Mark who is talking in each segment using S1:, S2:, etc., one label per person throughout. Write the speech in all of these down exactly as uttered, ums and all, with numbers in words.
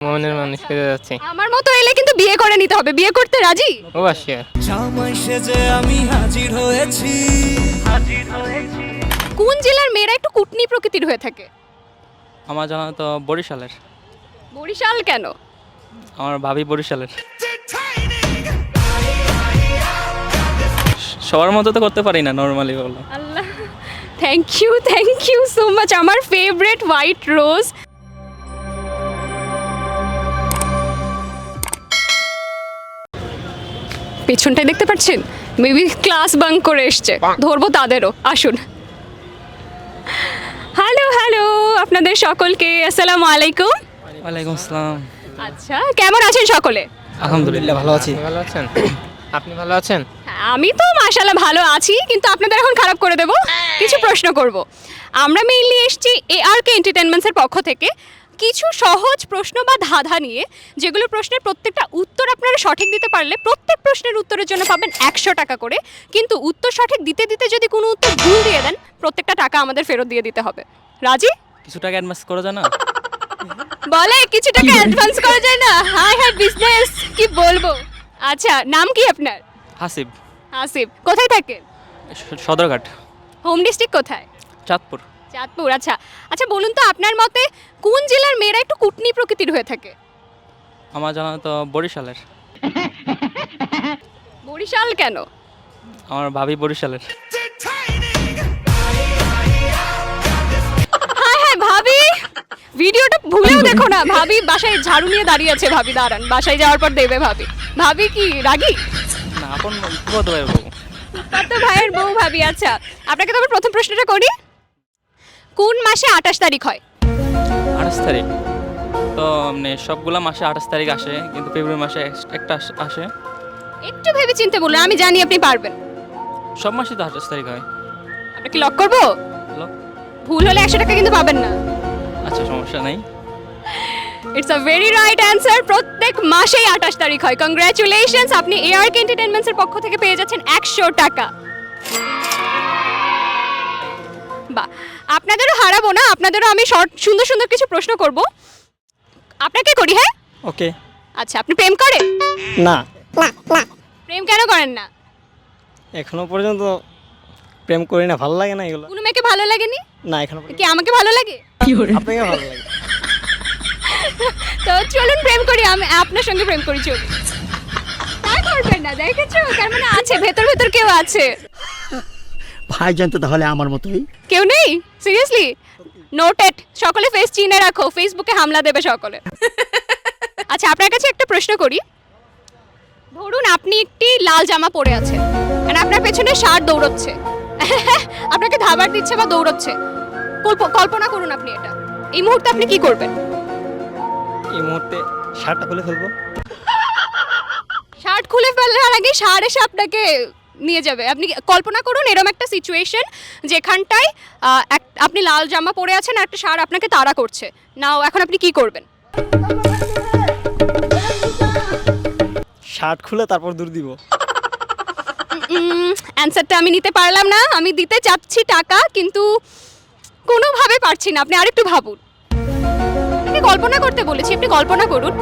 S1: মনের মানুষ পেতে যাচ্ছি।
S2: আমার মতো এলে কিন্তু বিয়ে করে নিতে হবে। বিয়ে করতে রাজি?
S1: ও আসিয়া
S3: জামাই সেজে আমি হাজির হয়েছি।
S2: কোন জেলার মেয়েরা একটু কুটনি প্রকৃতির হয়ে থাকে?
S4: আমার জানা তো বরিশালের।
S2: বরিশাল কেন?
S4: আমার ভাবি বরিশালের। সবার মতো তো করতে পারি না, নর্মালি বললাম।
S2: Allah, thank you thank you so much. আমার ফেভারিট হোয়াইট রোজ। পেছনটায় দেখতে পাচ্ছেন, মেবি ক্লাস বাঙ্ক করে এসছে, ধরবো তাদেরও। আসুন। হ্যালো হ্যালো আপনাদের সকলকে আসসালামু আলাইকুম।
S4: ওয়ালাইকুম আসসালাম।
S2: আচ্ছা, কেমন আছেন সকলে?
S4: আলহামদুলিল্লাহ ভালো আছি।
S1: আপনি ভালো আছেন? আপনি ভালো আছেন?
S2: হ্যাঁ, আমি তো মাশাআল্লাহ ভালো আছি, কিন্তু আপনাদের এখন খারাপ করে দেব। কিছু প্রশ্ন করব। আমরা মেইনলি এসেছি এআরকে এন্টারটেইনমেন্টসের পক্ষ থেকে কিছু সহজ প্রশ্ন বা ধাঁধা নিয়ে, যেগুলো প্রশ্নের প্রত্যেকটা উত্তর আপনারা সঠিক দিতে পারলে প্রত্যেক প্রশ্নের উত্তরের জন্য পাবেন একশো টাকা করে। কিন্তু উত্তর সঠিক দিতে দিতে যদি কোনো উত্তর ভুল দিয়ে দেন, প্রত্যেকটা টাকা আমাদের ফেরত দিয়ে দিতে হবে। রাজি?
S4: কিছু টাকা অ্যাডভান্স করা যায় না?
S2: বলে কিছু টাকা অ্যাডভান্স করা যায় না? হাই হাই বিজনেস, কি বলবো। আচ্ছা, নাম কি আপনার?
S4: হাসিব।
S2: আসিফ। কোথায় থাকেন?
S4: স- সদরঘাট।
S2: হোম ডিস্ট্রিক্ট কোথায়?
S4: চাঁদপুর।
S2: চাঁদপুর। আচ্ছা আচ্ছা, বলুন তো আপনার মতে কোন জেলার মেয়েরা একটু কুটনি প্রকৃতির হয়ে থাকে?
S4: আমার জানা তো বরিশালের।
S2: বরিশাল কেন?
S4: আমার ভাবি বরিশালের।
S2: হ্যাঁ হ্যাঁ ভাবি, ভিডিওটা ভুলেও দেখো না। ভাবি বাসায় ঝাড়ু নিয়ে দাঁড়িয়ে আছে। ভাবি দাঁড়ান, বাসায় যাওয়ার পর দেবে ভাবি। ভাবি কি রাগী?
S4: না, আপন কত ভাই বউ।
S2: কত ভাইয়ের বউ ভাবি। আচ্ছা, আপনাকে তো আমার প্রথম প্রশ্নটা করি। কোন মাসে আঠাশ তারিখ হয়?
S4: আঠাশ তারিখ তো মানে সবগুলা মাসে আঠাশ তারিখ আসে, কিন্তু ফেব্রুয়ারি মাসে এক্স- একটা আস- আসে।
S2: একটু ভেবে চিন্তে বলুন, আমি জানি আপনি পারবেন।
S4: সব মাসে তো আঠাশ তারিখ হয়।
S2: আপনাকে লক করবো?
S4: হ্যালো,
S2: ভুল হলে একশো টাকা কিন্তু পাবেন না।
S4: আচ্ছা সমস্যা নেই।
S2: It's a very right answer. প্রত্যেক মাসেই আঠাশ তারিখ হয়। কংগ্রাচুলেশনস, আপনি এআরকে এন্টারটেইনমেন্টসের পক্ষ থেকে পেয়ে যাচ্ছেন একশো টাকা। বাহ, আপনাদেরও হারাবো না, আপনাদেরও আমি শর্ট সুন্দর সুন্দর কিছু প্রশ্ন করব। আপনাকে করি? হ্যাঁ,
S5: ওকে।
S2: আচ্ছা, আপনি প্রেম করেন?
S5: না,
S2: প্রেম কেন করেন না?
S5: এখনো পর্যন্ত প্রেম করি না, ভালো লাগে না এগুলো।
S2: কোনো মেয়েকে ভালো লাগেনি?
S5: না, এখনো পর্যন্ত।
S2: কি আমাকে ভালো লাগে?
S5: আপনাকে ভালো লাগে?
S2: তো চলুন প্রেম করি, আমি আপনার সঙ্গে প্রেম করি। চলুন। তা করবেন না, দেখেছো? তার মানে আছে, ভেতর ভেতর কেউ আছে।
S6: ভাইজান তো তাহলে আমার মতোই।
S2: কেউ নেই? সিরিয়াসলি? নোটেড। সকলে ফেস চিনে রাখো, ফেসবুকে হামলা দেবে সকলে। আচ্ছা, আপনার কাছে একটা প্রশ্ন করি। ধরুন আপনি একটি লাল জামা পরে আছেন, আর আপনার পেছনে ষাঁড় দৌড়চ্ছে। আপনাকে ধাবার দিচ্ছে বা দৌড়চ্ছে। কল্প- কল্পনা করুন আপনি এটা। এই মুহূর্তে আপনি কি করবেন?
S5: এই মুহূর্তে শার্টটা খুলে ফেলবো।
S2: শার্ট খুলে ফেলার আগে ষাঁড় এসে আপনাকে নিয়ে যাবে। আপনি কল্পনা করুন এরকম একটা সিচুয়েশন, যেখানটায় আহ, এক- আপনি লাল জামা পরে আছেন আর একটা ষাঁড় আপনাকে তাড়া করছে। নাও, এখন আপনি কি করবেন?
S5: শার্ট খুলে তারপর দূর দিব।
S2: অ্যান্সারটা আমি নিতে পারলাম না। আমি দিতে চাচ্ছি টাকা, কিন্তু কোনোভাবে পারছি না। আপনি আরেকটু ভাবুন। আপনাকে কল্পনা করতে বলেছি, আপনি কল্পনা করুন।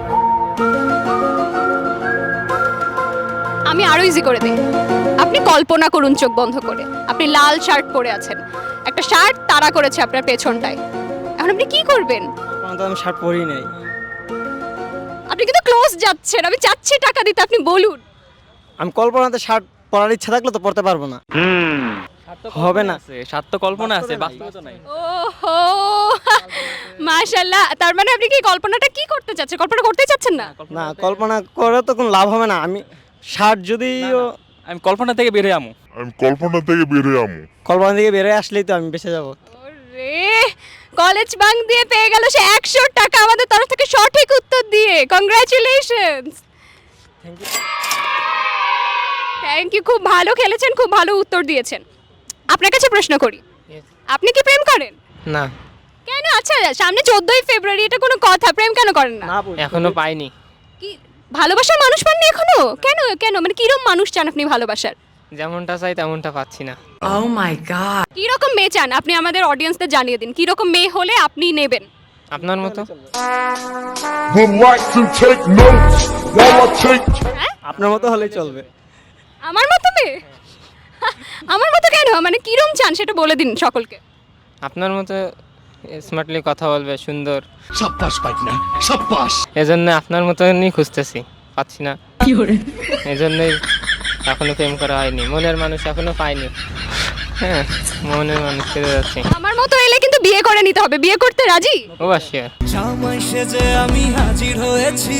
S2: আমি আরো ইজি করে দিই। আপনি কল্পনা করুন চোখ বন্ধ করে, আপনি লাল শার্ট পরে আছেন, একটা শার্ট তাড়া করেছে আপনার পেছনটায়। এখন আপনি কি করবেন?
S5: তখন তো আমি শার্ট পরিই নাই।
S2: আপনি কিন্তু ক্লোজ যাচ্ছেন। আমি চাচ্ছি টাকা দিতে, আপনি বলুন।
S5: আমি কল্পনাতে শার্ট পরার ইচ্ছা থাকলে তো পরতে পারবো না। হবে না।
S4: সাত তো কল্পনা আছে, বাস্তবে তো নাই।
S2: ওহো, মাশাআল্লাহ। তার মানে আপনি কি কল্পনাটা কি করতে চাচ্ছেন? কল্পনা করতে চাচ্ছেন না?
S5: না, কল্পনা করে তো কোনো লাভ হবে না। আমি শার্ট যদি
S4: আমি কল্পনা থেকে বের হয়ে আমু।
S7: আমি কল্পনা থেকে বের হয়ে আমু
S5: কল্পনা থেকে বেরোয় আসলেই তো আমি বেঁচে যাবো।
S2: ওরে, কলেজ বাঙ্ক দিয়ে পেয়ে গেল সে একশো টাকা আমাদের তরফ থেকে সঠিক উত্তর দিয়ে। Congratulations.
S5: Thank you.
S2: Thank you, খুব ভালো খেলেছেন, খুব ভালো উত্তর দিয়েছেন। আপনার কাছে প্রশ্ন করি। আপনি কি প্রেম করেন?
S1: না,
S2: কেন? আচ্ছা, সামনে চোদ্দই ফেব্রুয়ারি, এটা কোনো কথা? প্রেম কেন করেন না?
S5: না, বলছি।
S1: এখনো পাইনি।
S2: কি ভালোবাসার মানুষ পাননি এখনো? কেন কেন মানে কিরকম মানুষ চান আপনি ভালোবাসার?
S1: যেমনটা চাই তেমনটা পাচ্ছি না।
S2: কিরকম মেয়ে চান আপনি? আমাদের অডিয়েন্সদের জানিয়ে দিন, কিরকম মেয়ে হলে আপনি নেবেন।
S1: আপনার মতো
S7: Relax and take notes while I take.
S5: আপনার মতো হলেই চলবে।
S2: আমার মতো মেয়ে আমার মতো কেন, মানে কিরম চান সেটা বলে দিন সকলকে।
S1: আপনার মতো স্মার্টলি কথা বলবে, সুন্দর,
S6: সাব্বাস পাইনা সাব্বাস।
S1: এজন্য আপনার মতনই খুঁজতেছি, পাচ্ছি না। এজন্যই এখনো প্রেম করা হয়নি, মনের মানুষ এখনো পাইনি। হ্যাঁ, মনের মানুষ পেতে যাচ্ছি।
S2: আমার মতো এলে কিন্তু বিয়ে করে নিতে হবে, বিয়ে করতে রাজি?
S1: ও আসিয়া
S3: জামাই সেজে আমি হাজির হয়েছি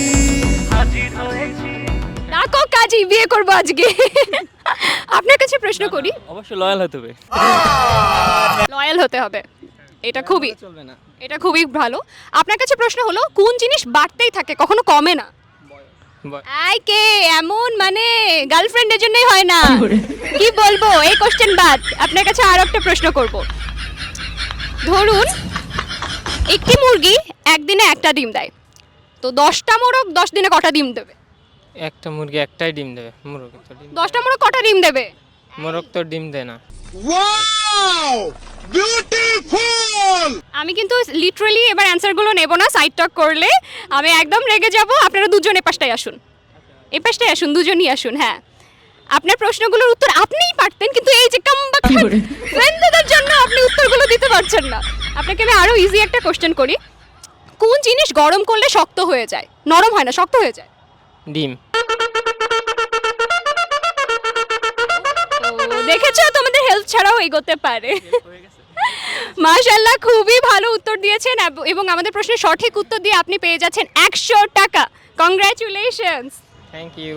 S2: ডাকো কাজী, বিয়ে করবো আজকে। আপনার কাছে প্রশ্ন করি,
S4: অবশ্যই লয়াল হতে হবে।
S2: লয়াল হতে হবে, এটা খুবই
S5: চলবে না।
S2: এটা খুবই ভালো। আপনার কাছে প্রশ্ন হলো, কোন জিনিস বাড়তেই থাকে কখনো কমে না?
S1: বয়-
S2: আই কে এমন, মানে গার্লফ্রেন্ডের জন্যই হয় না, কি বলবো এই কোশ্চেন বাদ। আপনার কাছে আরো একটা প্রশ্ন করব। ধরুন একটি মুরগি একদিনে একটা ডিম দেয়, তো দশটা মোরগ দশ দিনে কটা ডিম দেবে?
S1: একটা মুরগি একটাই ডিম দেবে, মোরগ তো ডিম
S2: দশটা মোরগ কটা ডিম দেবে?
S1: মোরগ তো ডিম দেয় না।
S2: আমি কিন্তু লিটারালি এবার অ্যান্সারগুলো নেব না, সাইড টক করলে আমি একদম রেগে যাব। আপনারা দুজন এপাশটাই আসুন, এপাশটাই আসুন, দুজনই আসুন। হ্যাঁ, আপনার প্রশ্নগুলোর উত্তর আপনিই পারতেন, কিন্তু এই যে কামবাক ফ্রেন্ডদের জন্য আপনি উত্তরগুলো দিতে পারছেন না। আপনাকে আমি আরো ইজি একটা কোশ্চেন করি। কোন জিনিস গরম করলে শক্ত হয়ে যায়, নরম হয় না, শক্ত হয়ে যায়?
S1: ডিম।
S2: তো দেখেছো, তোমাদের হেল্প ছাড়াও এগোতে পারে। মাশাআল্লাহ, খুবই ভালো উত্তর দিয়েছেন এব- এবং আমাদের প্রশ্নের সঠিক উত্তর দিয়ে আপনি পেয়ে যাচ্ছেন একশো টাকা। কংগ্রাচুলেশনস।
S1: Thank you.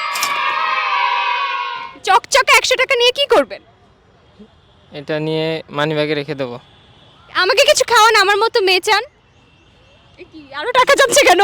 S2: চকচকে একশো টাকা নিয়ে কি করবেন?
S1: এটা নিয়ে মানি ব্যাগে রেখে দেবো।
S2: আমাকে কিছু খাওয়ান, আমার মতো মেয়ে চান। এ কি আরো টাকা যাচ্ছে কেন?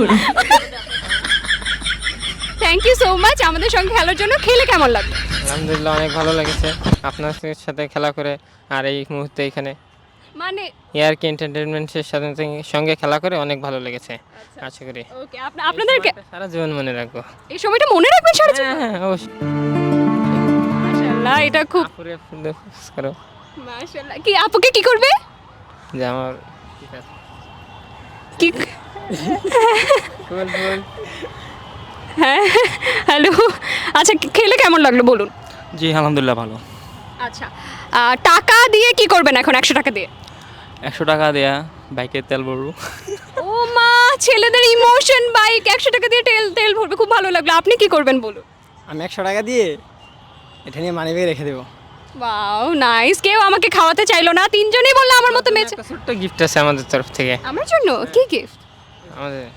S2: থ্যাংক ইউ সো মাচ আমাদের সঙ্গে খেলার জন্য। খেলে কেমন লাগলো?
S1: আলহামদুলিল্লাহ, অনেক ভালো লেগেছে আপনার সাথে খেলা করে, আর এই মুহূর্তে এখানে
S2: মানে
S1: এআরকে এন্টারটেনমেন্টের সাথে সঙ্গে খেলা করে অনেক ভালো লেগেছে। আশা করি
S2: ওকে, আপনাদেরকে
S1: সারা জীবন মনে রাখবো।
S2: এই সময়টা মনে রাখবেন সারা জীবন?
S1: হ্যাঁ, হ্যাঁ, অবশ্যই।
S2: মাশাআল্লাহ, এটা খুব
S1: আপুরে ফুলে ফুস করো
S2: মাশাআল্লাহ। কি আপুকে কি করবে?
S1: যে আমার ঠিক আছে।
S2: কি?
S1: ফুল ফুল।
S2: হ্যাঁ, হ্যালো। আচ্ছা, খেলে কেমন লাগলো বলুন?
S4: জি আলহামদুলিল্লাহ ভালো।
S2: আচ্ছা, আহ, টাকা দিয়ে কি করবেন এখন একশো টাকা দিয়ে?
S4: একশো টাকা দেয়া বাইকের তেল ভরবো।
S2: ও মা, ছেলেদের ইমোশন, বাইক একশো টাকা দিয়ে তেল তেল ভরবে, খুব ভালো লাগলো। আপনি কি করবেন বলুন?
S5: আমি একশো টাকা দিয়ে এটা নিয়ে মানি ব্যাগে রেখে দেবো।
S2: Wow, nice. কেউ আমাকে খাওয়াতে চাইলো না, তিনজনই বললো আমার মতো মেয়ে চাই।
S1: একটা ছোট্ট গিফট আছে আমাদের তরফ থেকে।
S2: আমার জন্য কি গিফট?
S1: আমাদের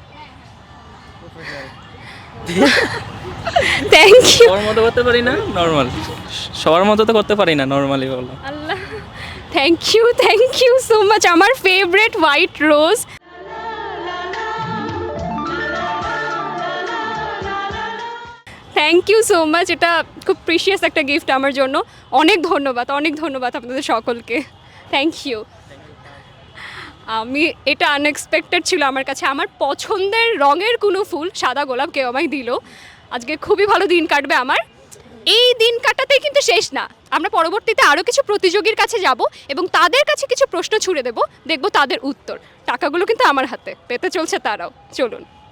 S2: থ্যাংক ইউ।
S4: সবার মতো করতে পারি না, নর্মাল সবার মতো তো করতে পারি না, নর্মালি বললাম।
S2: Allah, thank you, thank you so much. আমার favourite white rose. Thank you so much, এটা খুব প্রিশিয়াস একটা গিফট আমার জন্য। অনেক ধন্যবাদ, অনেক ধন্যবাদ আপনাদের সকলকে। Thank you. আমি এটা আনএক্সপেক্টেড ছিল আমার কাছে। আমার পছন্দের রঙের কোনো ফুল, সাদা গোলাপ, কেউ আমায় দিল। আজকে খুবই ভালো দিন কাটবে আমার। এই দিন কাটাতেই কিন্তু শেষ না, আমরা পরবর্তীতে আরও কিছু প্রতিযোগীর কাছে যাব এবং তাদের কাছে কিছু প্রশ্ন ছুড়ে দেব, দেখব তাদের উত্তর। টাকাগুলো কিন্তু আমার হাতে, পেতে চলছে তারাও। চলুন।